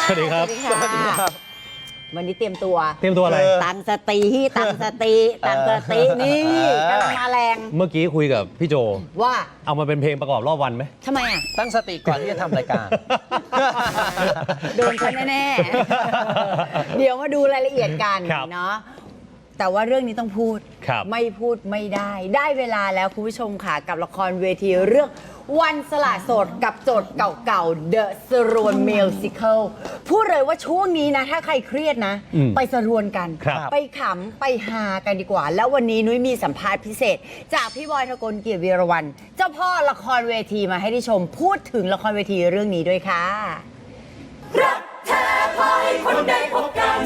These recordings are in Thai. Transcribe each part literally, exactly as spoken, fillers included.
สวัสดีครับสวัสดีครับวันนี้เตรียมตัวเตรียมตัวอะไรตั้งสติตั้งสติตั้งสตินี่กำลังมาแรงเมื่อกี้คุยกับพี่โจว่าเอามาเป็นเพลงประกอบรอบวันไหมทำไมอ่ะตั้งสติก่อนที่จะทำรายการโดนฉันแน่ๆเดี๋ยวมาดูรายละเอียดกันเนาะแต่ว่าเรื่องนี้ต้องพูดไม่พูดไม่ได้ได้เวลาแล้วคุณผู้ชมค่ะกับละครเวทีเรื่องวันสละโสดกับโจทย์เก่าๆ The สรวน Musical พูดเลยว่าช่วงนี้นะถ้าใครเครียดนะไปสรวนกันไปขำไปฮากันดีกว่าแล้ววันนี้นุ้ยมีสัมภาษณ์พิเศษจากพี่บอยทกลเกียรติวีรวรรณเจ้าพ่อละครเวทีมาให้ได้ชมพูดถึงละครเวทีเรื่องนี้ด้วยค่ะรักแท้พอให้คนได้พบกัน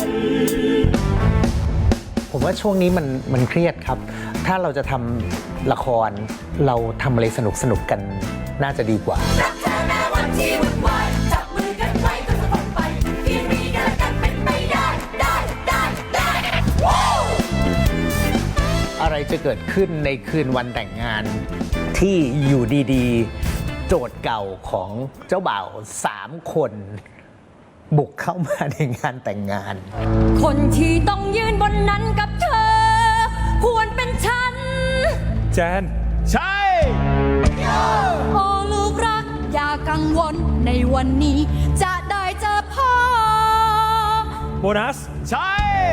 ผมว่าช่วงนี้มันมันเครียดครับถ้าเราจะทำละครเราทำอะไรสนุกสนุกกันน่าจะดีกว่ารักแท้แม้วันที่วุ่นวายจับมือกันไว้ก็จะต้องไปที่มีกันและกันเป็นไปได้ได้ได้ได้อะไรจะเกิดขึ้นในคืนวันแต่งงานที่อยู่ดีๆโจทย์เก่าของเจ้าบ่าวสามคนบุกเข้ามาในงานแต่งงานคนที่ต้องยืนบนนั้นกับเธอควรเป็นฉันแจนใช่โอ้ลูกรักอย่ากังวลในวันนี้จะได้เจอพ่อโบนัสใช่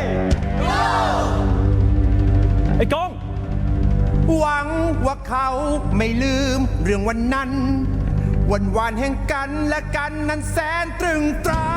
ไอ้กองหวังว่าเขาไม่ลืมเรื่องวันนั้นวันวานแห่งกันและกันนั้นแสนตรึงตรา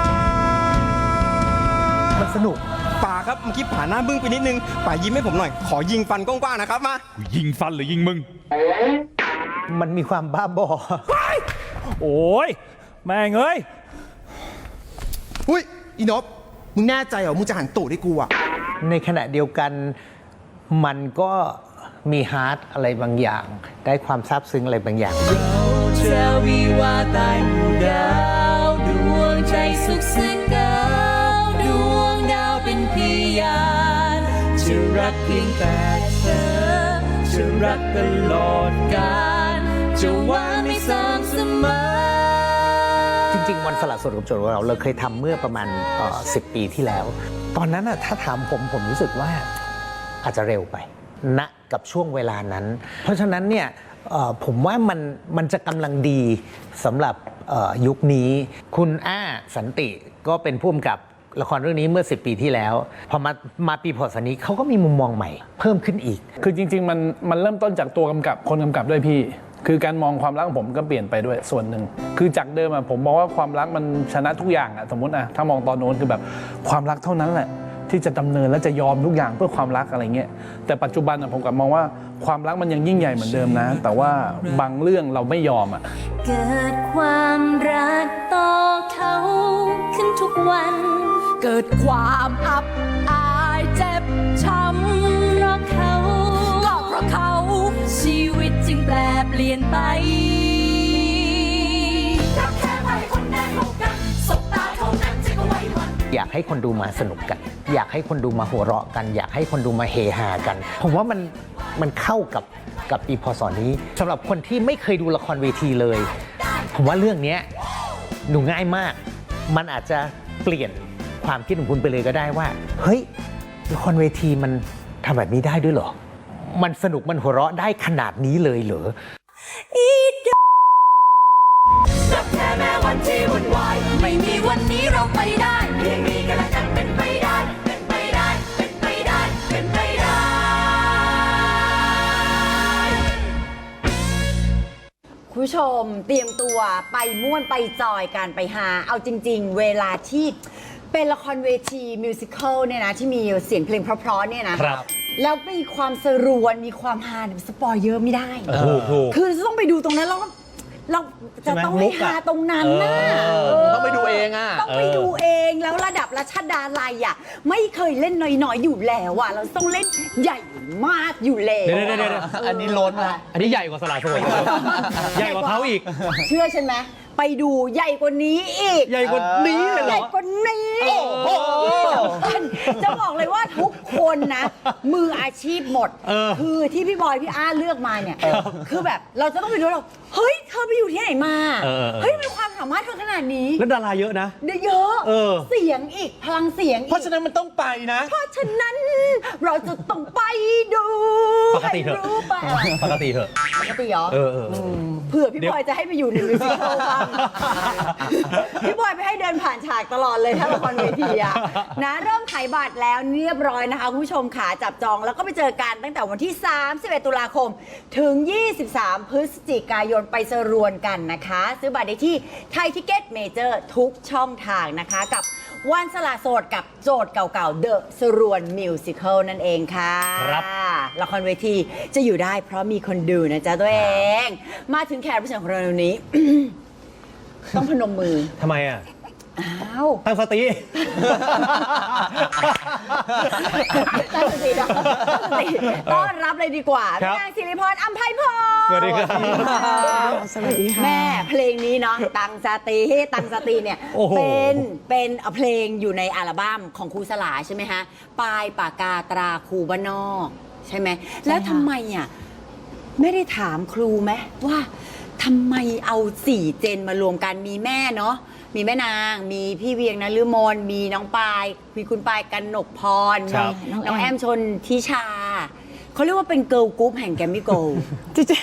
มันสนุกป่าครับเมื่อกี้ผ่านหน้าบึ้งไปนิดนึงป่ายิ้มให้ผมหน่อยขอยิงฟันกว้างๆนะครับมายิงฟันหรือยิงมึงมันมีความบ้าบอโอ้ยแม่งเอ้ยอุ้ยอีนบมึงแน่ใจเหรอมึงจะหันตูดให้กูอะในขณะเดียวกันมันก็มีฮาร์ดอะไรบางอย่างได้ความซาบซึ้งอะไรบางอย่างเราจะวิวาใต้หมู่ดาวดวงใจสุขสันต์เก่าดวงดาวเป็นพยานจะรักเพียงแต่เธอจะรักตลอดกาลจะหวังไม่สม่ำเสมอจริงๆวันสละโสดกับโจทย์ของเราเราเคยทำเมื่อประมาณสิบปีที่แล้วตอนนั้นถ้าถามผมผมรู้สึกว่าอาจจะเร็วไปณกับช่วงเวลานั้นเพราะฉะนั้นเนี่ยผมว่ามันมันจะกำลังดีสำหรับยุคนี้คุณอ้าสันติก็เป็นผู้กำกับละครเรื่องนี้เมื่อสิบปีที่แล้วพอมามาปีพศนี้เขาก็มีมุมมองใหม่เพิ่มขึ้นอีกคือจริงๆมันมันเริ่มต้นจากตัวกำกับคนกำกับด้วยพี่คือการมองความรักของผมก็เปลี่ยนไปด้วยส่วนหนึ่งคือจากเดิมอะผมมองว่าความรักมันชนะทุกอย่างอะสมมติอะถ้ามองตอนโน้นคือแบบความรักเท่านั้นแหละที่จะดำเนินและจะยอมทุกอย่างเพื่อความรักอะไรเงี้ยแต่ปัจจุบันผมกลับมองว่าความรักมันยังยิ่งใหญ่เหมือนเดิมนะแต่ว่าบางเรื่องเราไม่ยอมอ่ะเกิดความรักต่อเขาขึ้นทุกวันเกิดความอับอายเจ็บช้ำเพราะเขาก็เพราะเขาชีวิตจึงแปรเปลี่ยนไปรักแค่ไปคนแน่พบกันสบตาเท่านั้นจะก็ไว้วันอยากให้คนดูมาสนุกกันอยากให้คนดูมาหัวเราะกันอยากให้คนดูมาเฮฮากันผมว่ามันมันเข้ากับกับปีพศนี้สำหรับคนที่ไม่เคยดูละครเวทีเลยผมว่าเรื่องนี้ดูง่ายมากมันอาจจะเปลี่ยนความคิดของคุณไปเลยก็ได้ว่าเฮ้ยละครเวทีมันทำแบบนี้ได้ด้วยเหรอมันสนุกมันหัวเราะได้ขนาดนี้เลยเหรอรักแท้แม้วันที่วุ่นวายไม่มีวันนี้เราไปได้เพียงมีกันและกันเป็นไปได้เป็นไปได้เป็นไปได้เป็นไปได้คุณผู้ชมเตรียมตัวไปม่วนไปจอยกันไปหาเอาจริงๆเวลาที่เป็นละครเวทีมิวสิควลเนี่ยนะที่มีเสียงเพลงเพราะๆเนี่ยนะครับแล้วมีความสรวนมีความฮาสปอยเยอะไม่ได้คือต้องไปดูตรงนั้นแล้วเราจะต้องไปหาตรงนั้นนะต้องไปดูเองอ่ะต้องไปดูเองแล้วระดับรัชดาลัยอ่ะไม่เคยเล่นน้อยๆอยู่แล้วอ่ะเราต้องเล่นใหญ่มากอยู่แล้วเดี๋ยวๆๆอันนี้ล้นนะอันนี้ใหญ่กว่าสละโสดใหญ่กว่าเขาอีกเชื่อฉันไหมไปดูใหญ่กว่านี้อีกใหญ่กว่านี้เลยเหใหรญ่อกว่านี้จะบอกเลยว่าทุกคนนะ มืออาชีพหมดเออคือที่พี่บอยพี่อาเลือกมาเนี่ย คือแบบเราจะต้องไปดูเราเฮ้ยเธอไปอยู่ที่ไหนมาเออเออเออเฮ้ยมีความสามารถเธอขนาดนี้แล้วดาราเยอะนะเยอะเออเสียงอีกพลังเสียงเพอีราะกฉะนั้นมันต้องไปนะเพราะฉะนั้นเราจะต้องไปดูปกติเถอะให้รู้ไปปกติเถอะปกติเหรอเออเออเออเผื่อพี่เดี๋ยวบอยจะให้ไปอยู่ในมิวสิควลบ้างพี่บอยไปให้เดินผ่านฉากตลอดเลยถ้าละครเวทีอะนะเริ่มขายบัตรแล้วเรียบร้อยนะคะคุณผู้ชมขาจับจองแล้วก็ไปเจอกันตั้งแต่วันที่ สามสิบเอ็ด ตุลาคม ถึง ยี่สิบสาม พฤศจิกายนไปสรวนกันนะคะ ซื้อบัตรได้ที่ไทยทิเก็ตเมเจอร์ทุกช่องทางนะคะ กับวันสละโสดกับโจทย์เก่าๆ The สรวนมิวสิควลนั่นเองค่ะครับละครเวทีจะอยู่ได้เพราะมีคนดูนะจ๊ะตัวเอง มาถึงแขกรับเชิญของเราในวันนี้ ต้องพนมมือทำไมอ่ะอ้าวตั้งสติตั้งสตินะตั้งสติต้อนรับเลยดีกว่าครัพี่บนางสิริพรอัมไพพรสวัสดีครับสวัสดีค่ะแม่เพลงนี้เนาะตั้งสติตั้งสติเนี่ยโอ้โหเป็นเป็นเพลงอยู่ในอัลบั้มของครูสลาใช่ไหมฮะปลายปากกาตราครูบ้านนอกใช่ไหมแล้วทำไมอ่ะไม่ได้ถามครูไหมว่าทำไมเอาสี่เจนมารวมกันมีแม่เนาะมีแม่นางมีพี่เวียงนฤมลมีน้องปายมีคุณปายกนกพรครัมีบน้องแอมชนทิชาเขาเรียกว่าเป็นเกิร์ลกรุ๊ปแห่งแกรมมี่โกลด์ที่จะ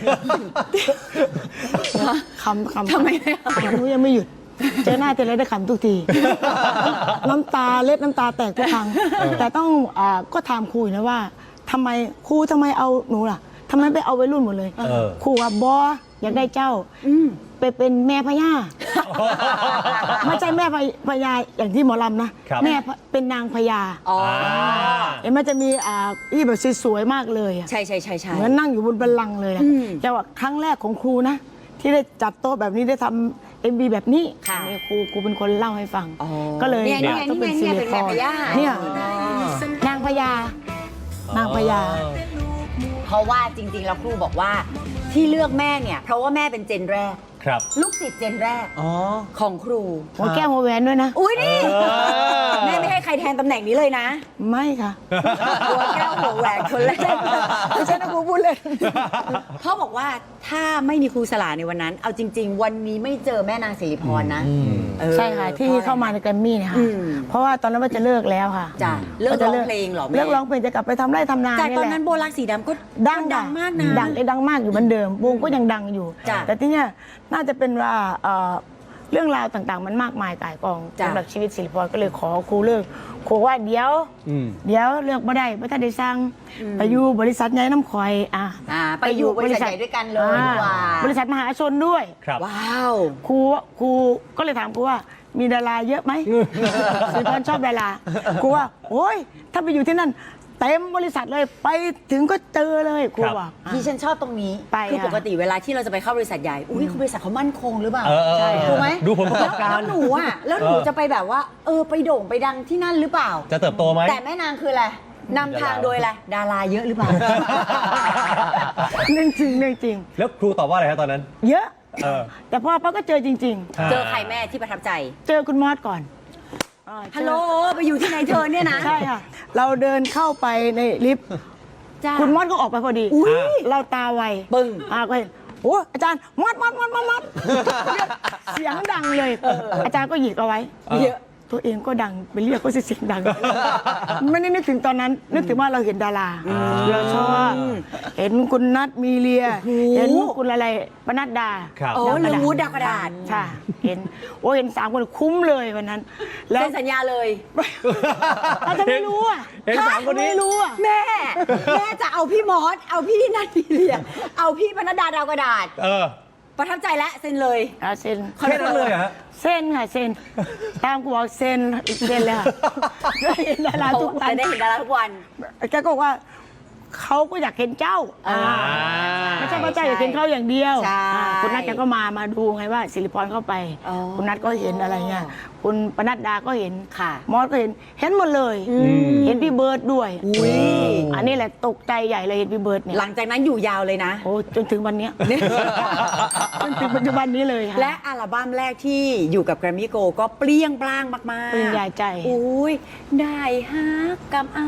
คำคำทำไมไม่เอาหนูยังไม่หยุด เจอหน้าเจออะไรได้ขำทุกที น้ำตาเล็ดน้ำตาแตกทุกครั้ง แต่ต้องอ่าก็ถามครูอยู่นะว่าทำไมครูทำไมเอาหนูล่ะทำไมไปเอาวัยรุ่นหมดเลยเออครูว่าบออยากได้เจ้าอืมไปเป็นแม่พญาไม่ใช่แม่พญาอย่างที่หมอลำนะครับ แม่เป็นนางพญาอ๋อเห็นมันจะมีอ่าที่แบบสวยๆมากเลยอะใช่ใช่ใช่ใช่เหมือนนั่งอยู่บนบัลลังก์เลยอะอืมแต่ว่าครั้งแรกของครูนะ ที่ได้จัดโต๊ะแบบนี้ได้ทำเอ็มบีแบบนี้ค่ะอันนี้ครูครูเป็นคนเล่าให้ฟังอ๋อก็เลยเนี่ยเนี่ยต้องเป็นเนี่สิยริเป็นพแม่รพญาเนี่ยนางพญา นางพญาเพราะว่าจริงๆแล้วครูบอกว่าที่เลือกแม่เนี่ย เพราะว่าแม่เป็นเจนแรกครับลูกศิษย์เจนแรกอ๋อของครูหัวแก้วหัวแหวนด้วยนะอุ้ยนี่เออแม่ไม่ให้ใครแทนตำแหน่งนี้เลยนะไม่ค่ะหัวแก้วหัวแหวนคนแรกไม่ใช่นะครูพูดเลยพ่อบอกว่าถ้าไม่มีครูสลาในวันนั้น เอาจริง ๆ วันนี้ไม่เจอแม่นางสิริพรนะเออใช่ค่ะ ที่เข้ามาในแกรมมี่เนี่ยค่ะอืมเพราะว่าตอนนั้นว่าจะเลิกแล้วค่ะจ้ะเลิกจะร้องเพลงเหรอแม่เลิกร้องเพลงจะกลับไปทำไร่ทำนาจากตอนแหละนั้นโบลักสีดำก็ดังดังมากนะดังดังมากอยู่เหมือนเดิมวงก็ยังดังอยู่จ้ะแต่ที่เนี้ยน่าจะเป็นว่าเอ่อเรื่องราวต่างๆ มันมากมายก่ายกองจ้ะสำหรับชีวิตศิริพรก็เลยขอครูเลิกครูว่าเดี๋ยวอืมเดี๋ยวเลิกไม่ได้ไม่ทันได้สั่งไปอยู่บริษัทใหญ่น้ำข่อยอ่ะอ่าไปอยู่บริษัทใหญ่ด้วยกันเลยอ่าดีกว่าบริษัทมหาชนด้วยครับว้าวครูครูก็เลยถามครูว่ามีดาราเยอะไหม ศิริพรชอบดาราครูว่าโอ้ยถ้าไปอยู่ที่นั่นเต็มบริษัทเลยไปถึงก็เจอเลยครูครับบอกอ่ะที่ฉันชอบตรงนี้ไปคือค่ะปกติเวลาที่เราจะไปเข้าบริษัทใหญ่ อุ้ยเขาบริษัทเขามั่นคงหรือเปล่าเออเออใช่ถูกไหมดูผลประกอบการแล้วหนูอ่ะ แล้วหนูเออจะไปแบบว่า เออ ไปโด่งไปดังที่นั่นหรือเปล่าจะเติบโตไหมแต่แม่นางคืออะไรนำทางโดยอะไร ดาราเยอะหรือเปล่าเรื่องจริงเรื่องจริงแล้วครูตอบว่าอะไรครับตอนนั้นเยอะเออแต่พอป้าก็เจอจริงเจอใครแม่ที่ประทับใจๆ เจอคุณมอสก่อนอ่าเจอฮัลโหล ไปอยู่ที่ไหนเธอเนี่ยนะใช่ค่ะ เราเดินเข้าไปในลิฟต์จ้าคุณมอสก็ออกไปพอดีอุ๊ยเราตาไวปึ้งอ่าก็เห็นโอ้อาจารย์มอสมอสมอสมอสมอสเสียงดังเลย อาจารย์ก็หยิกเอาไว้เยอะตัวเองก็ดังไปเรียกก็เสียงดัง ไม่ได้นึกถึงตอนนั้น นึกถึงว่าเราเห็นดาราเราชอบเห็นคุณนัทมีเลีย เห็นคุณอะไรปนัดดาครับโอ้ดาวกเรืระองดาษวูดดาวกระดาษใช่เห็นโอ้เห็นสามคนคุ้มเลยวันนั้น แล้วเซ็นสัญญาเลยอาจจะไม่รู้อ่ะเห็นสามคนนี้ไม่รู้อ่ะแม่ แม่จะเอาพี่มอส เอาพี่นัทมีเลีย เอาพี่พนัดดาดาวกระดาษเออประทับใจแล้วเซ็นเลยอ่ะเซ็นแค่นั้นเลยเหรอฮะเซ็นค่ะเซ็นตามกูบอกเซ็นเซ็นเลยค่ะได้เห็นดาราทุกวันจะได้เห็นดาราทุกวันแกก็บอกว่าเขาก็อยากเห็นเจ้าอ่าไม่ใช่พระเจ้าอยากเห็นเขาอย่างเดียวใช่อ่าคุณนัทแกก็มามาดูไงว่าสิริพรเข้าไปอ๋อคุณนัทก็เห็นอะไรเงี้ยคุณปนัดดาก็เห็นค่ะมอสก็เห็นเห็นหมดเลย เห็นพี่เบิร์ดด้วยอุ้ยอันนี้แหละตกใจใหญ่เลยเห็นพี่เบิร์ดเนี่ยหลังจากนั้นอยู่ยาวเลยนะโอ้จนถึงวันเนี้ย จนถึงปัจจุบันนี้เลยค่ะและอัลบั้มแรกที่อยู่กับ Grammy Go ก็เปรี้ยงปร้างมากๆปริญญาใจอุ้ยได้ฮักกับอาย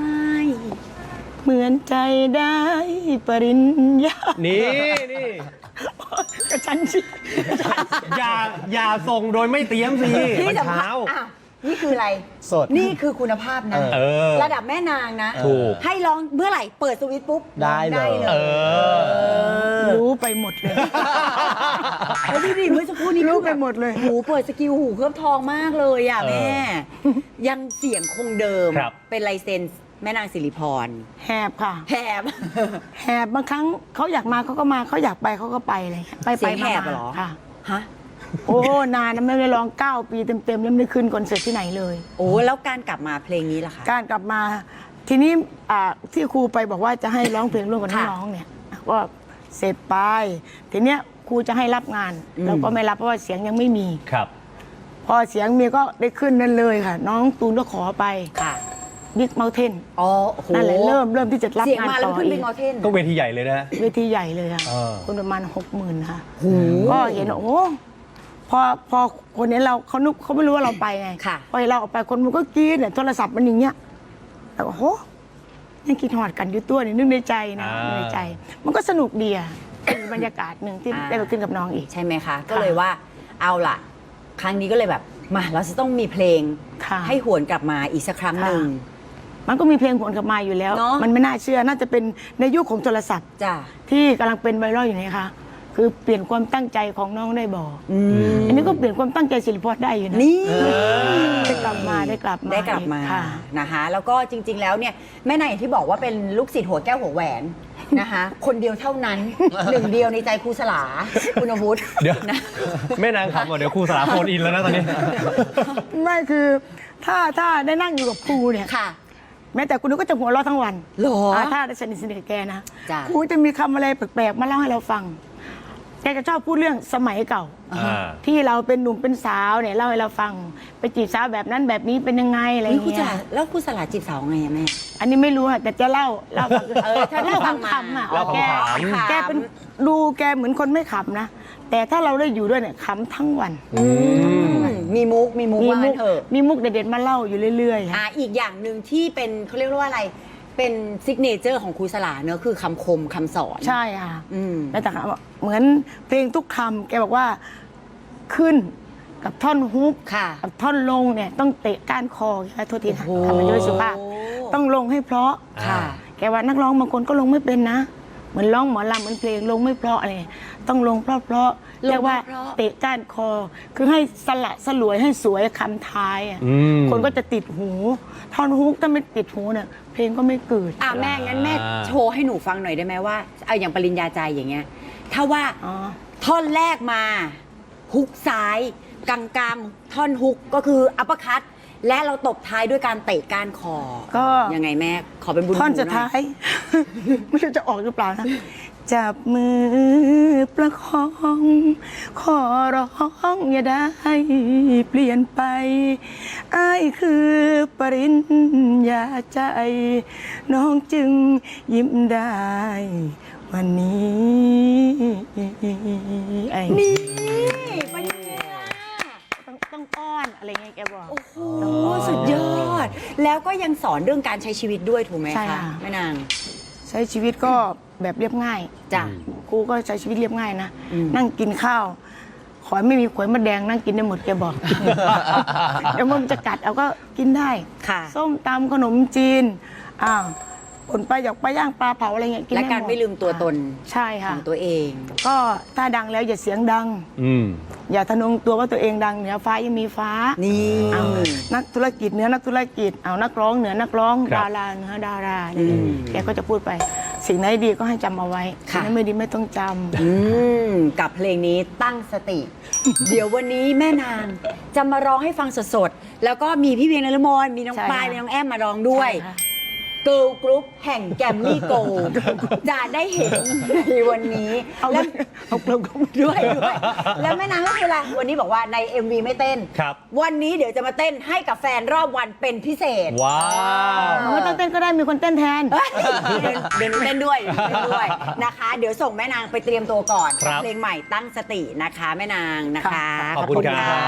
เหมือนใจได้ปริญญานี่นี่กระชันชิดอย่าอย่าส่งโดยไม่เตรียมสิที่มันสำคัญเช้าอ้าวนี่คืออะไรสดนี่คือคุณภาพนะเออระดับแม่นางนะถูกให้ร้องเมื่อไหร่เปิดสวิตช์ปุ๊บได้เลยร้องเออรู้ไปหมดเลยแล้วดูดิเมื่อสักครู่นี้รู้ไปหมดเลยหูเปิดสกิลหูเคลือบทองมากเลยอ่ะแม่ ยังเสียงคงเดิมครับเป็นลายเซ็นแม่นางสิริพรแหบค่ะแหบแหบบางครั้งเขาอยากมาเขาก็มาเขาอยากไปเขาก็ไปเลยไปเสีไปยงแหมาบเหรอค่ะฮะโอ้นานนะไม่ได้ร้องเก้าปีเต็มๆแล้วไม่ได้ขึ้นคอนเสิร์ตที่ไหนเลยโอ้แล้วการกลับมาเพลงนี้ล่ะคะการกลับมาทีนี้อ่าที่ครูไปบอกว่าจะให้ร้องเพลงร่วมกับค่ะน้องๆเนี่ยก็เสร็จไปทีเนี้ยครูจะให้รับงานอืมเราก็ไม่รับเพราะว่าเสียงยังไม่มีครับพอเสียงมีก็ได้ขึ้นนั่นเลยค่ะ น้องตูนก็ขอไปค่ะบิ๊กเมลเทนอ๋อโอ้โหนั่นแหละเริ่มเริ่มที่จะรับเสียงงานมาแล้วต่อขึ้นอีเป็นกมอเทนก็เวทีใหญ่เลยนะเวทีใหญ่เลยค่ะเออคนประมาณหกหมื่นค่ะก็เห็นโอ้พอพอคนเห็นเราเขานึกเขาไม่รู้ว่าเราไปไงค่ะพอเห็นเราออกไปคนมันก็กรี๊ดเนี่ยโทรศัพท์มันอย่างเงี้ยแต่ว่าโหยังคิดหอดกันอยู่ตัวนี่นึกในใจนะอ่านึกในใจ มันก็สนุกดีอ่ะเป็นบรรยากาศหนึ่งที่อ่าได้ไปขึ้นกับน้องอีกใช่ไหมคะ ก็เลยว่าเอาล่ะ ครั้งนี้ก็เลยแบบมาเราจะต้องมีเพลงค่ะให้หวนกลับมาอีกสักครั้งหนึ่งมันก็มีเพลงผลกลับมาอยู่แล้วเนอะมันไม่น่าเชื่อน่าจะเป็นในยุคของโทรศัพท์จ้ะที่กำลังเป็นไวรัลอยู่นี่ค่ะคือเปลี่ยนความตั้งใจของน้องได้บอกอืมอันนี้ก็เปลี่ยนความตั้งใจศิลปะได้อยู่นะนี่ได้กลับมาได้กลับมาได้กลับมาค่ะนะคะแล้วก็จริง ๆ แล้วเนี่ยแม่นายอย่างที่บอกว่าเป็นลูกศิษย์หัวแก้วหัวแหวนนะคะ คนเดียวเท่านั้น หนึ่งเดียวในใจครูสลาคุณวุฒิเดี๋ยวนะแม่นางขำอ่ะเดี๋ยวครูสลาโฟนอินแล้วนะตอนนี้ไม่คือถ้าถ้าได้นั่งอยู่กับครูเนี่ยค่ะแม้แต่คุณนุ้ยก็จะหัวเราะทั้งวันหรออ่าถ้าได้สนิทสนิทกับแกนะจ้ะครูจะมีคำอะไรแปลกๆมาเล่าให้เราฟัง แกจะชอบพูดเรื่องสมัยเก่าอ่าที่เราเป็นหนุ่มเป็นสาวเนี่ยเล่าให้เราฟัง ไปจีบสาวแบบนั้นแบบนี้เป็นยังไงอะไรอเฮ้ยย่างครูสเงี้ยลาแล้วครูสลาจีบสาวไงอะแม่อันนี้ไม่รู้อะแต่จะเล่าเล่าเออถ้าได้ฟังมาขำๆอะเล่าแกขำแกเป็นดูแกเหมือนคนไม่ขำนะ แต่ถ้าเราได้อยู่ด้วยเนี่ยขำทั้งวันมีมุกมีมุกมีว่ามุงั้กนเถอะมีมุกเด็ดๆมาเล่าอยู่เรื่อยๆอ่าค่ะอีกอย่างหนึ่งที่เป็นเขาเรียกว่าอะไร เป็นซิกเนเจอร์ของครูสลาเนอะคือคำคมคำสอนใช่ค่ะอืมแล้วแต่ค่ะเหมือนเพลงทุกคำแกบอกว่าขึ้นกับท่อนฮุกค่ะกับท่อนลงเนี่ยต้องเตะก้านคอค่ะโทษทีนะโอ้โหทำมาด้วยสุภาพต้องลงให้เพราะค่ะแกว่านักร้องบางคนก็ลงไม่เป็นนะ เหมือนร้องหมอลำเหมือนเพลงลงไม่เพราะอะไรต้องลงเพราะเพราะๆเรียกว่าเตะก้านคอ คือให้สละสลวยให้สวยคำท้ายอะอืมคนก็จะติดหูท่อนฮุกถ้าไม่ติดหูเนี่ยเพลงก็ไม่เกิดอ่ะแม่งั้นแม่อ่าโชว์ให้หนูฟังหน่อยได้ไหมว่าเอาอย่างปริญญาใจอย่างเงี้ย ถ้าว่าอ๋อท่อนแรกมาฮุกซ้ายกลางกลางๆท่อนฮุกก็คืออัปเปอร์คัตและเราตบท้ายด้วยการเตะก้านคอก็ยังไงแม่ขอเป็นบุญท่อนหูสุดหน่ท้าอยย ไม่รู้จะออกหรือเปล่านะ จับมือประคอง ขอร้องอย่าได้เปลี่ยนไปอ้ายคือปริญญาใจ น้องจึงยิ้มได้ วันนี้ไอ้นี่ปริญญาต้องต้องอ้อนอะไรเงี้ยแกบอกโอ้โหสุดยอด แล้วก็ยังสอนเรื่องการใช้ชีวิตด้วยถูกไหมใช่คะค่ะแม่นางใช้ชีวิตก็แบบเรียบง่ายจ้ะครูก็ใช้ชีวิตเรียบง่ายนะอืมนั่งกินข้าว ขอให้ไม่มีขวยมะแดงนั่งกินได้หมดแกบอก เดี๋ยวมันจะกัดเอาก็กินได้ค่ะส้มตำขนมจีนอ้าวผลไปอยากไปย่างปลาเผาอะไรเงี้ยกินและได้การหดไม่ลืมตัวตนใช่ขค่ะองตัวเองก็ถ้าดังแล้วอย่าเสียงดังอืมอย่าทะนงตัวว่าตัวเองดังเหนือฟ้ายังมีฟ้านี่เอานักธุรกิจเหนือนักธุรกิจเอานักร้องเหนือนักร้องครับดาราเหนือดาราอะไรอย่างเงี้ยแกก็จะพูดไป สิ่งไหนดีก็ให้จำเอาไว้สิ่งไหนไม่ดีไม่ต้องจำอืมกับเพลงนี้ตั้งสติ เดี๋ยววันนี้แม่นางจะมาร้องให้ฟังสดๆ แล้วก็มีพี่เวียงนฤมลมีน้องใช่ปายค่ะมีน้องแอมมาร้องด้วยใช่ค่ะเกิร์ลกรุ๊ปแห่งแกมมี่โกลด์จะได้เห็นในวันนี้เอาและเอาเราก็ด้วยด้วยแล้วแม่นางก็คืออะไรวันนี้บอกว่าใน เอ็ม วี ไม่เต้นครับวันนี้เดี๋ยวจะมาเต้นให้กับแฟนรอบวันเป็นพิเศษว้าวไม่ต้องเต้นก็ได้มีคนเต้นแทนเฮ้ยเดี๋ยวเดี๋ยวหนูเต้นด้วยเดี๋ยวหนูเต้นด้วยนะคะ เดี๋ยวส่งแม่นางไปเตรียมตัวก่อนครับเพลงใหม่ตั้งสตินะคะแม่นางนะคะขอบคุณครับ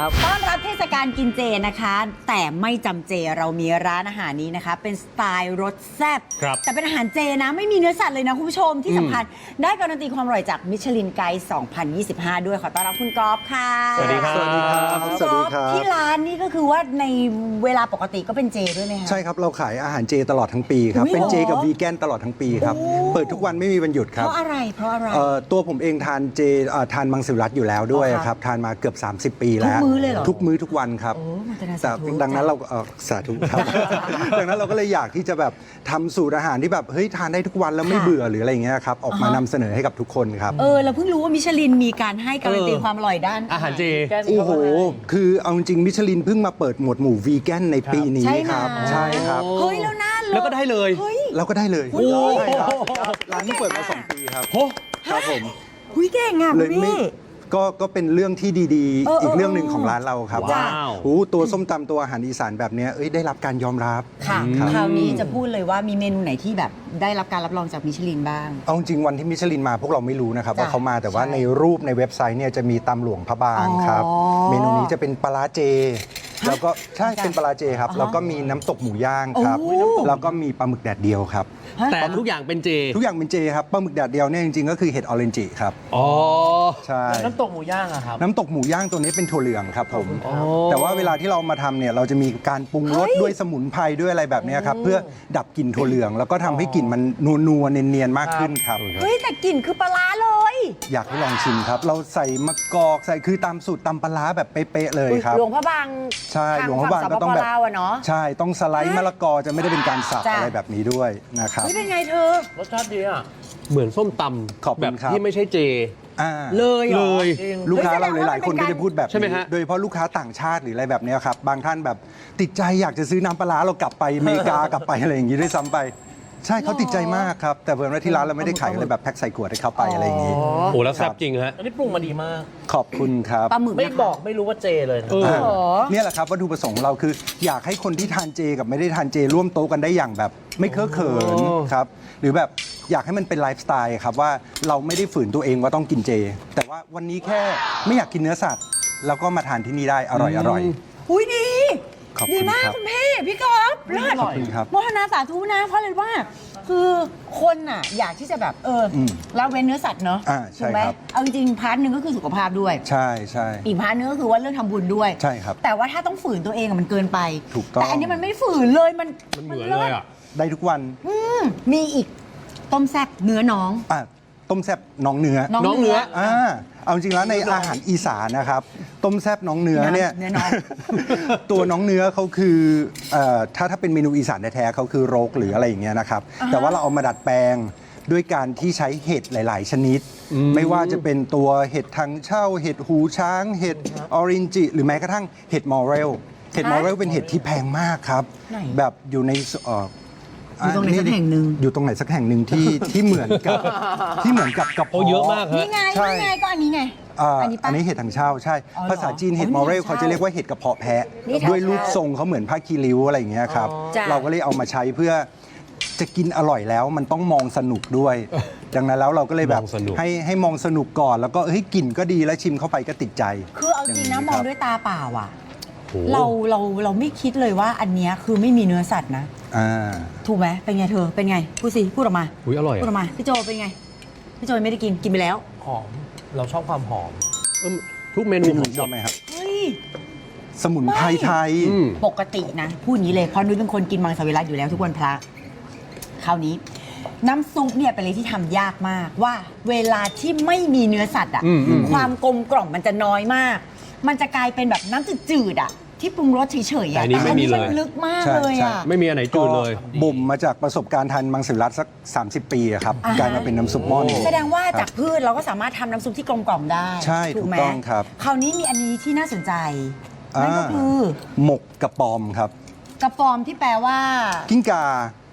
ต้อนรับเทศกาลกินเจนะคะ แต่ไม่จำเจเรามีร้านอาหารนี้นะคะ เป็นสไตล์รสแซ่บครับแต่เป็นอาหารเจนะไม่มีเนื้อสัตว์เลยนะคุณผู้ชมที่สำคัญได้การันตีความอร่อยจากมิชลินไกด์สองพันยี่สิบห้าด้วยขอต้อนรับคุณก๊อฟค่ะสวัสดีครับสวัสดีครับคุณสวัสก๊ดีอฟครับที่ร้านนี่ก็คือว่าในเวลาปกติก็เป็นเจด้วยไหมคะใช่ครับ เราขายอาหารเจตลอดทั้งปีครับอุ๊ยเป็นเจเหรอกับวีแกนตลอดทั้งปีครับโอ้เปิดทุกวันไม่มีวันหยุดคเพรับราะอะไรเพราะอะไรเอ่อตัวผมเองทานเจเอ่อทานมังสวิรัติอยู่แล้วด้วยอ๋อครับครับ ทานมาเกือบ สามสิบ ปีแล้วทุกมื้อเลยเหรอทุกมื้อทุกวันครับโอ้มันจะน่าแต่สาธุดังนั้นเราเอ่อสาธุครับ ดังนั้นเราก็เลยอยากที่จะแบบทำสูตรอาหารที่แบบเฮ้ยทานได้ทุกวันแล้วไม่ค่ะเบื่อหรืออะไรอย่างเงี้ยครับออกมาอ่าฮะนำเสนอให้กับทุกคนครับเออเราเพิ่งรู้ว่ามิชลินมีการให้การันตีเออความอร่อยด้านอาหารเจโอ้โห คือเอาจริงๆมิชลินเพิ่งมาเปิดหมวดหมู่วีแกนในปีนี้ใช่ไหมครับ ใช่ครับเฮ้ยแล้วน่าเลยแล้วก็ได้เลยเฮ้ยเราก็ได้เลยโอ้โหใช่ครับร้านที่เปิดมาสองปีครับโอ้ครับผมหุยเก่งอ่ะเลยคุณไม่พี่ก็ก็เป็นเรื่องที่ดีเออๆ อีกเออเรื่องหนึ่งของร้านเราครับว้าวโอ้ตัวส้มตำตัวอาหารอีสานแบบเนี้ยเอ้ยได้รับการยอมรับค่ะครับคราวนี้จะพูดเลยว่ามีเมนูไหนที่แบบได้รับการรับรองจากมิชลินบ้างเอาจริงๆวันที่มิชลินมาพวกเราไม่รู้นะครับจ้ะว่าเขามาแต่ว่าใช่ในรูปในเว็บไซต์เนี่ยจะมีตำหลวงพระบางครับอ๋อเมนูนี้จะเป็นปลาร้าเจ แล้วก็ใช่จ้ะเป็นปลาร้าเจครับอ่าฮะแล้วก็มีน้ำตกหมูย่างครับโอ้แล้วก็มีปลาหมึกแดดเดียวครับแต่ทุกอย่างเป็นเจทุกอย่างเป็นเจครับปลาหมึกแดดเดียวเนี่ยจริงๆก็คือเห็ดออเรนจิครับอ๋อใช่น้ำตกหมูย่างอะครับน้ำตกหมูย่างตัวนี้เป็นถั่วเหลืองครับผม แต่ว่าเวลาที่เรามาทำเนี่ยเราจะมีการปรุงรสด้วยสมุนไพรด้วยอะไรแบบเนี้ยครับเพื่อดับกลิ่นถั่วเหลือง แล้วก็ทำให้กลิ่นมันนัวๆเนียนๆมากขึ้นครับเฮ้ยแต่กลิ่นคือปลาร้าเลยอยากให้ลองชิมครับ เราใส่มะกอกใส่คือตามสูตรตำปลาร้าแบบเป๊ะๆเลยครับหลวงพระบางใช่ทหลวงพระบางก็ต้องแบบฝั่สปปลาวอะเนาะใช่ต้องสไลด์มะละกอจะไม่ได้เป็นการสับจ้ะอะไรแบบนี้ด้วยนะครับเฮ้ยเป็นไงเธอรสชาติดีอ่ะ เหมือนส้มตขอบำคุณแบบครับที่ไม่ใช่เจอ่าเลยเหรเลอยลูกค้าเราเฮ้ยแสดงว่าหลายๆคนมันเป็นก็จะพูดแบบใช่ไหมนี้ฮะโดยเฉพาะลูกค้าต่างชาติหรืออะไรแบบเนี้ยครับ บางท่านแบบติดใจอยากจะซื้อน้ำปลาร้าเรากลับไปอเมริกากลับไปอะไรอย่างนี้ด้วยซ้ำไป ใช่เขาติดใจมากครับ แต่เพิ่นว่าที่ร้านเราไม่ได้ขายอะไรแบบแพ็คใส่ขวดให้เขาไปอะไรอย่างนี้โอ้แล้วแซ่บจริงฮะอันนี้ปรุงมาดีมากขอบคุณครับปลาหมึกไม่นะคะบอกไม่รู้ว่าเจเลยนะเอออ่าเหรอเนี่ยแหละครับวัตถุประสงค์ของเราคือ อยากให้คนที่ทานเจกับไม่ได้ทานเจร่วมโต๊ะกันได้อย่างแบบ ไม่เคอะเขินครับหรือแบบอยากให้มันเป็นไลฟ์สไตล์ครับว่าเราไม่ได้ฝืนตัวเองว่าต้องกินเจ แต่ว่าวันนี้แค่ไม่อยากกินเนื้อสัตว์แล้วก็มาทานที่นี่ได้อร่อยอร่อยอุ้ยดีขอบดีคุณมากครับคุณพี่พี่กอล์ฟเลิศขอบคุณครับโมทนาสาธุนะเพราะอะไรว่า คือคนน่ะอยากที่จะแบบเอออมละเว้นเนื้อสัตว์เนาะอ่าใช่ถูกไหมครับเอาจริงๆพาร์ทหนึ่งก็คือสุขภาพด้วยใช่ใช่อีกพาร์ทหนึงก็คือว่าเรื่องทำบุญด้วยใช่ครับแต่ว่าถ้าต้องฝืนตัวเองอะมันเกินไปถูกต้องแต่อันนี้มันไม่ฝืนเลยมันมันเหมือนเลยอ่ะได้ทุกวันอืมมีอีกต้มแซ่บเนื้อน้องอ่ะต้มแซบน้องเนื้อน้องน้องเนื้เนื้อออ่าเอาจริงแล้วในอาหารอีสานนะครับ ต้มแซบน้องเนื้อเนี่ยเนื้อน้องตัวน้องเนื้อเขาคือเอ่อถ้าถ้าเป็นเมนูอีสานแท้ๆเขาคือโรกหรืออะไรอย่างเงี้ยนะครับ แต่ว่าเราเอามาดัดแปลงด้วยการที่ใช้เห็ดหลาย ๆ ชนิด ไม่ว่าจะเป็นตัวเห็ดทางเช่า เห็ดหูช้าง เห็ดออรินจิ หรือแม้กระทั่งเห็ดมอเรล เห็ดมอเรลเป็นเห็ดที่แพงมากครับไหนแบบอยู่ในเอ่ออยู่ตรงไหนสักแห่งหนึ่งอยู่ตรงไหนสักแห่งหนึ่งที่ที่เหมือนกับที่เหมือนกับกระเพาะโอ้เยอะมากฮะนี่ไงใช่นี่ไงก็อันนี้ไงอ่าอันนี้ปะอันนี้เห็ดถังเช่าใช่อ๋อเหรอภาษาจีนเห็ดอ๋อมอเรลนี่ถังเช่าเขาจะเรียกว่าเห็ดกระเพาะแพะนี่ถังด้วยรูปเช่าทรงเขาเหมือนผ้าคีริ้วอะไรอย่างเงี้ยครับจ้ะเราก็เลยเอามาใช้เพื่อจะกินอร่อยแล้วมันต้องมองสนุกด้วย ดังนั้นแล้วเราก็เลยแบบมองสนุกให้ให้มองสนุกก่อน แล้วก็เฮ้ยกลิ่นก็ดีแล้วชิมเข้าไปก็ติดใจคือเอาจริงนะอย่างนี้มองครับด้วยตาเปล่าอ่ะโอ้เราเราเราไม่คิดเลยว่าอันเนี้ยคือไม่มีเนื้อสัตว์นะอ่าถูกไหมเป็นไงเธอเป็นไงพูดสิพูดออกมาอุ๊ยอร่อยพูดออะอกมาพี่โจเป็นไงพี่โจไม่ได้กินกินไปแล้วหอม เราชอบความหอมเออทุกเมนูพี่หผนุ่มมหชมอบดไหมครับเฮ้ยสมุนไพรไทยอืมปกตินะพูดอย่างนี้เลยเพราะนุ้ยเป็นคนกินมังสวิรัติอยู่แล้วทุกวันพระคราวนี้ น้ำซุปเนี่ยเป็นอะไรที่ทำยากมากว่าเวลาที่ไม่มีเนื้อสัตว์อ่ะอืมอืมความกลมกล่อมมันจะน้อยมาก มันจะกลายเป็นแบบน้ำจืดๆอ่ะที่ปรุงรสเฉยๆแต่อ่ะอันนี้ไม่มีเลยมันลึกมากใช่เลยอ่ะใช่ไม่มีอันไหนจืดเลยก็บ่มมาจากประสบการณ์ทานมังสวิรัติสัก สามสิบ ปีอะครับอ่าฮะกลายมาเป็นน้ำซุปหม้อนี้แสดงว่าครับจากพืชเราก็สามารถทำน้ำซุปที่กลมกล่อมได้ใช่ถูกไหมถูกต้องครับคราวนี้มีอันนี้ที่น่าสนใจนั่นก็อ่าคือหมกกระปอมครับกระปอมที่แปลว่ากิ้งกา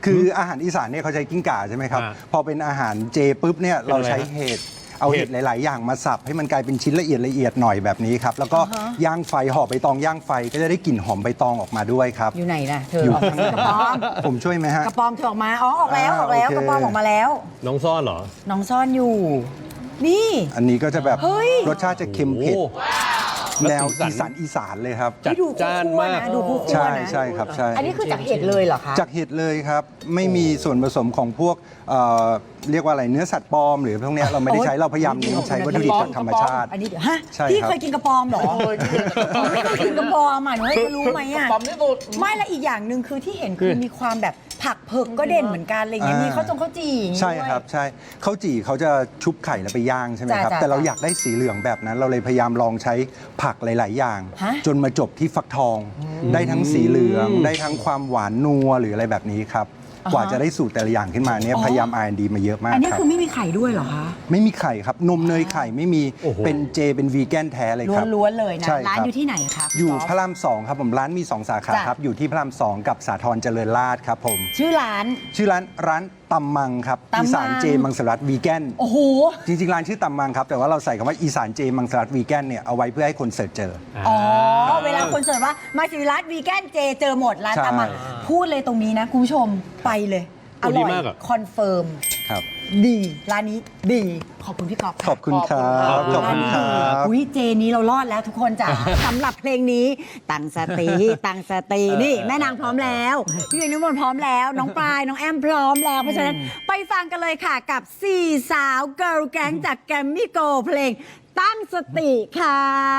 คืออาหารอีสานเนี่ยเขาใช้กิ้งก่าใช่ไหมครับอ่าพอเป็นอาหารเจปุ๊บเนี่ยเราใช้เป็นอะไรฮะเห็ดเอาเห็ดหลาย ๆ อย่างมาสับให้มันกลายเป็นชิ้นละเอียดละเอียดหน่อยแบบนี้ครับแล้วก็ย่างไฟห่อใบตองย่างไฟก็จะได้กลิ่นหอมใบตองออกมาด้วยครับอยู่ไหนนะเธออยู่ออกมาสิกระปอมผมช่วยไหมฮะกระปอมเธอออกมาอ๋อออกแล้วออกแล้วอ่าโอเคกระปอมออกมาแล้วน้องซ่อนเหรอน้องซ่อนอยู่ นี่อันนี้ก็จะแบบเฮ้ยรสชาติจะเค็มเผ็ดโอ้แนวแล้วสีอีสัสาน นอีสานเลยครับจัดดูจ้านมากคู่ๆะดูคู่ๆใช่นะใช่ครับใช่อันนี้คือจากเห็ดเลยเหรอคะจากเห็ดเลยครับ ไม่มีส่วนผสมของพวกเอ่อเรียกว่าอะไรเนื้อสัตว์ปลอมหรือพวกเนี้ยเราไม่ได้ใช้เราพยายามเน้นใช้วัตถุดิบจากธรรมชาติอันนี้เดี๋ยวฮะใช่พี่ครับเคยกินกระปอมเหรอไม่เคยกินกระปอมอ่ะหนูจะรู้ไหมอ่ะปอมที่สุดไม่และอีกอย่างหนึ่งคือที่เห็นคือมีความแบบผักเผือกก็เด่นเหมือนกันอะไรเงี้ยอ่ามีมีข้าวจงข้าวจี่อย่างงี้ใช่ด้วยครับใช่ข้าวจี่เขาจะชุบไข่แล้วไปย่างใช่ไหมครับจ้ะแต่เราจ้ะอยากได้สีเหลืองแบบนั้น เราเลยพยายามลองใช้ผักหลาย ๆ อย่างฮะจนมาจบที่ฟักทอง ได้ทั้งสีเหลือง ได้ทั้งความหวานนัวหรืออะไรแบบนี้ครับอ่าฮะกว่าจะได้สูตรแต่ละอย่างขึ้นมาเนี่ยอ๋อพยายาม อาร์ แอนด์ ดี มาเยอะมากอันนี้ครับคือไม่มีไข่ด้วยเหรอคะไม่มีไข่ครับนมเนยไข่ไม่มีโอ้โหเป็นเจเป็นวีแกนแท้เลยครับล้วนๆเลยนะใช่ร้านครับอยู่ที่ไหนคะอยู่คุณพระรามสองครับผมร้านมีสองสาขาจ้ะครับอยู่ที่พระรามสองกับสาทรเจริญราษฎร์ครับผมชื่อร้านชื่อร้านร้านตำมังครับตำมังอีสานเจมังสวิรัตวีแกนโอ้โหจริงๆ ร้านชื่อตำมังครับ แต่ว่าเราใส่คำว่าอีสานเจมังสวิรัตวีแกนเนี่ยเอาไว้เพื่อให้คนเสิร์ชเจออ๋อ เวลาคนเสิร์ชว่ามาสิริรัตน์วีแกนเจเจอหมดร้านใช่ตามมาพูดเลยตรงนี้นะ คุณผู้ชมไปเลย อโอ้ดีร่อยมากอะคอนเฟิร์มครับดี ร้านนี้ดี ขอบคุณพี่กอล์ฟค่ะขอบคุณครับ ขอบคุณครับอุ้ยเจนี้เรารอดแล้วทุกคนจ้ะ สำหรับเพลงนี้ตั้งสติตั้งสตินี่แม่นางพร้อมแล้วพี่เอกนิมนต์พร้อมแล้ว น้องปลายน้องแอมพร้อมแล้ว เพราะฉะนั้นไปฟังกันเลยค่ะกับสี่สาวเกิร์ลแก๊งจากแกรมมี่โกลด์เพลงตั้งสติค่ะ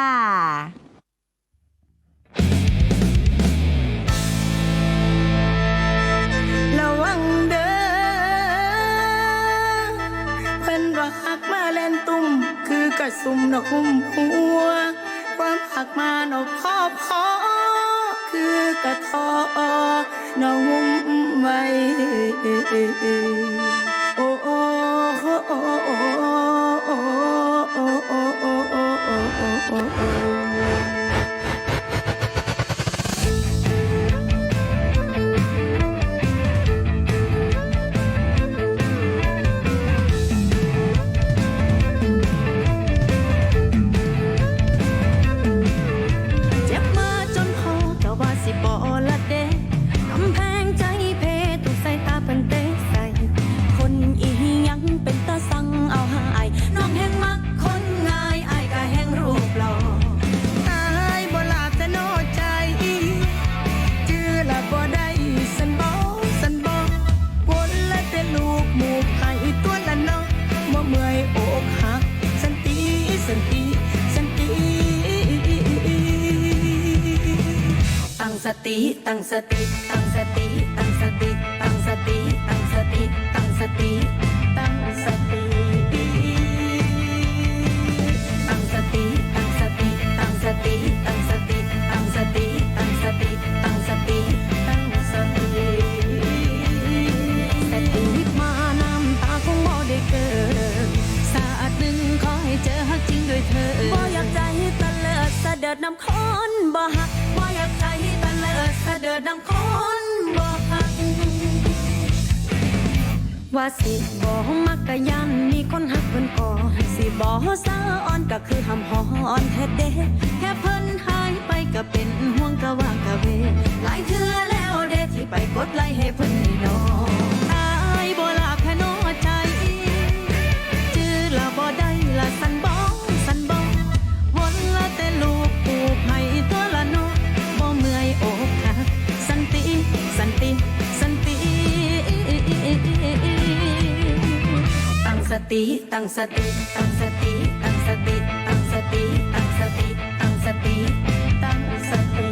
ระวังเด้อเพิ่นว่าหักมาเล่นตุ่มคือกระสุมนกหุ้มหัว ความหักมานกพ่อพ่อคือกระทอนกหุ้มไว้โอ้โอ้โอ้โอ้โอ้โอ้โอ้โอ้โอ้โอ้โอ้โอ้โอ้ เจ็บมาจนพอแต่ว่าสิบอละเดกำแพงใจเพตุใส่ตาเป็นเตะใส่ คนอีหยังเป็นตาสั่งเอาหายน้องแห่งมักคนง่ายอายก็แห่งรูปหล่ออายบ่ลาบแต่โนใจ จื้อละบ่ได้สันบ่สันบ่วนละแต่ลูกหมูกให้ตัวละเนาะบ่เมื่อยอกหักสันติสันติสันติ ตั้งสติตั้งสติตั้งสติตั้งสติตั้งสติตั้งสติตั้งสติตั้งสติตั้งสติตั้งสติตั้งสติตั้งสติตั้งสติตั้งสติตั้งสติตั้งสติแต่ถึงวิบมาน้ำตาคงบ่ได้เกิดสาดหนึ่งขอให้เจอฮักจริงด้วยเธอบ่อยากใจตะเลิดเสด็จน้ำค้อนบ่หักบ่อยากใจตะเลิดเสด็จน้ำค้อนบ่หักว่าสิบ่มักกะยันมีคนหักเพิ่นก่อสิบ่สาอ่อนก็คือหำหอนแท้เด้แค่เพิ่นหายไปก็เป็นห่วงกะว่างกะเวหลายเทื่อแล้วเด้ที่ไปกดไลค์ให้เพิ่นนี่น้ออายบ่ลาแค่น้อใจจื้อละบ่ได้ละสันบ่สันบ่วนละแต่ลูกปูกให้ตัวละน้อบ่เมื่อยอกหักสันติสันติสันติตั้งสติตั้งสติตั้งสติตั้งสติตั้งสติตั้งสติตั้งสติตั้งสติ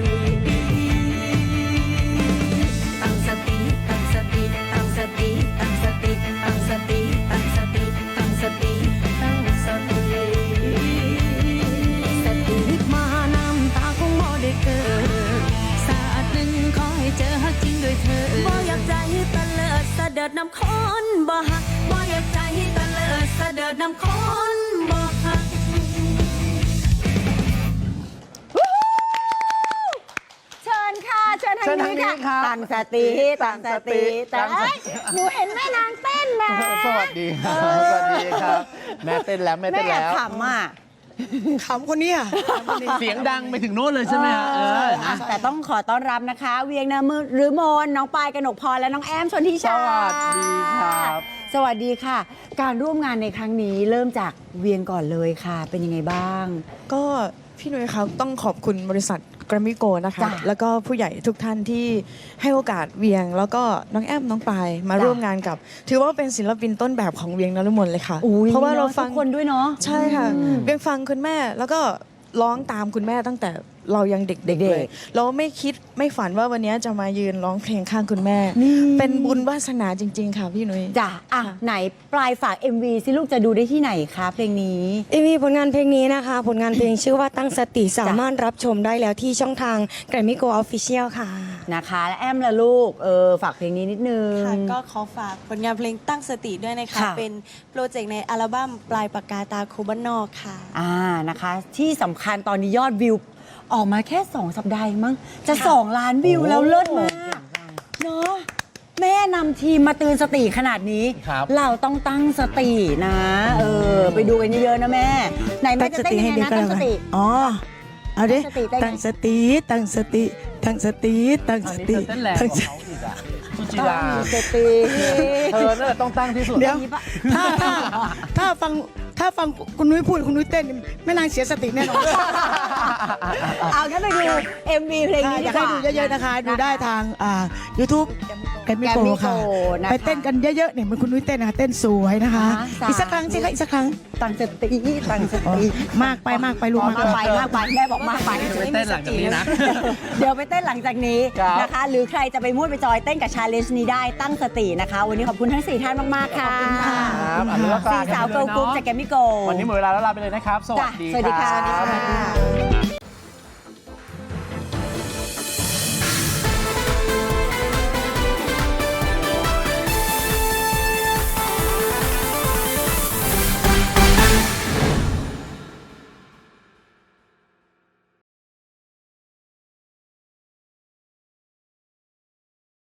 ตั้งสติตั้งสติตั้งสติตั้งสติตั้งสติตั้งสติตั้งสติตั้งสติสติมาน้ำตาคงบ่ได้เกิดสาดหนึ่งขอให้เจอฮักจริงด้วยเธอบ่อยากใจตะเลิดเสด็จน้ำค้อนบ่หักบ่อยากใจตะเลิดเสด็จน้ำค้อนบ่หักเชิญค่ะ เชิญททางนี้ค่ะตั้งสติตั้งสติแต่เอ้ยหนูเห็นแม่นางเต้นนะสวัสดีครับสวัสดีครับแม่เต้นแล้วแม่แม่เต้นแอบแล้วขำอ่ะขำคนนี้อ่ะเสียงดังไปถึงโน้นเลยใช่ไหมฮะเอออ่ะแต่ต้องขอต้อนรับนะคะ เวียงนามือหรือมนน้องปายกนกพรและน้องแอมชนทิชาสวัสดีครับสวัสดีค่ะ การร่วมงานในครั้งนี้เริ่มจากเวียงก่อนเลยค่ะ เป็นยังไงบ้างก็พี่นุ้ยครับต้องขอบคุณบริษัทแกรมมี่โกนะคะจ้ะแล้วก็ผู้ใหญ่ทุกท่านที่ให้โอกาสเวียง แล้วก็น้องแอมน้องปายมาจ้ะร่วมงานกับ ถือว่าเป็นศิลปินต้นแบบของเวียงนฤมลเลยค่ะอุ้ยเพราะว่าเราฟังทุกคนด้วยเนาะใช่ค่ะเวียงฟังคุณแม่แล้วก็ร้องตามคุณแม่ตั้งแต่เรายังเด็กๆเด็กๆเลยเราไม่คิดไม่ฝันว่าวันนี้จะมายืนร้องเพลงข้างคุณแม่นี่เป็นบุญวาสนาจริง ๆ ค่ะพี่นุ้ยจ้ะอ่ะไหนปลายฝาก เอ็ม วี สิลูกจะดูได้ที่ไหนคะเพลงนี้เอ็มวีผลงานเพลงนี้นะคะ ผลงานเพลงชื่อว่าตั้งสติสามารถรับชมได้แล้วที่ช่องทาง Grammy Go Official ค่ะนะคะและแอมละลูกเออฝากเพลงนี้นิดนึงค่ะก็ขอฝากผลงานเพลงตั้งสติด้วยนะคะค่ะเป็นโปรเจกต์ในอัลบั้มปลายปากกาตาคูบ้านนอกค่ะอ่านะคะ ที่สำคัญตอนนี้ยอดวิว ออกมาแค่ สอง สัปดาห์เองมั้งจะ 2 ล้านวิวแล้วเลิศมากเนาะแม่นำทีมมาเตือนสติขนาดนี้ครับเราต้องตั้งสตินะ เออ ไปดูกันเยอะๆนะแม่ ไหนแม่จะเต้นยังไงนะตั้งสติอ๋อ เอาดิตั้งสติตั้งสติ ตั้งสติ ตั้งสติ ตั้งสติอันนี้เธอเต้นแรงกว่าเขาอีกอ่ะสุจิราตั้งสติเธอนั่นแหละต้องตั้งที่สุดเดี๋ยว ถ้าถ้าถ้าฟังถ้าฟังคุณนุ้ยพูดคุณนุ้ยเต้นแม่นางเสียสติแน่นอนเอาแค่ไปดู เอ็ม วี เพลงนี้อยากดีให้กดูว่าเยอะๆนะคะ ดูได้ทางอ่า YouTube แกรมมี่โก Grammy Go ค่ะนะคะไปเต้นกันเยอะๆเนี่ยเหมันคุณนุ้ยเต้นนะคะเต้นสวยนะคะอ่าอีกสักครั้งสิคะอีกสักครั้งตั้งสติตั้งสอ๋อติมากไปมากไปลูกอ๋อมากมากไปไปมากไปแม่บอกมากไปไปเต้นหลังจากนี้นะเดี๋ยวไปเต้นหลังจากนี้ครับนะคะ หรือใครจะไปมูดไปจอยเต้นกับชาเลนจ์นี้ได้ตั้งสตินะคะ วันนี้ขอบคุณทั้งสี่ท่านมากๆค่ะครับอันนี้ก็กลสี่ยเป็นสาวลเกิยร์ลกรุ๊ปเนอะจากแกมมี่โกวันนี้หมดเวลาแล้วลาไปเลยนะครับ สวัสดีสวัสดีคค่ะรับ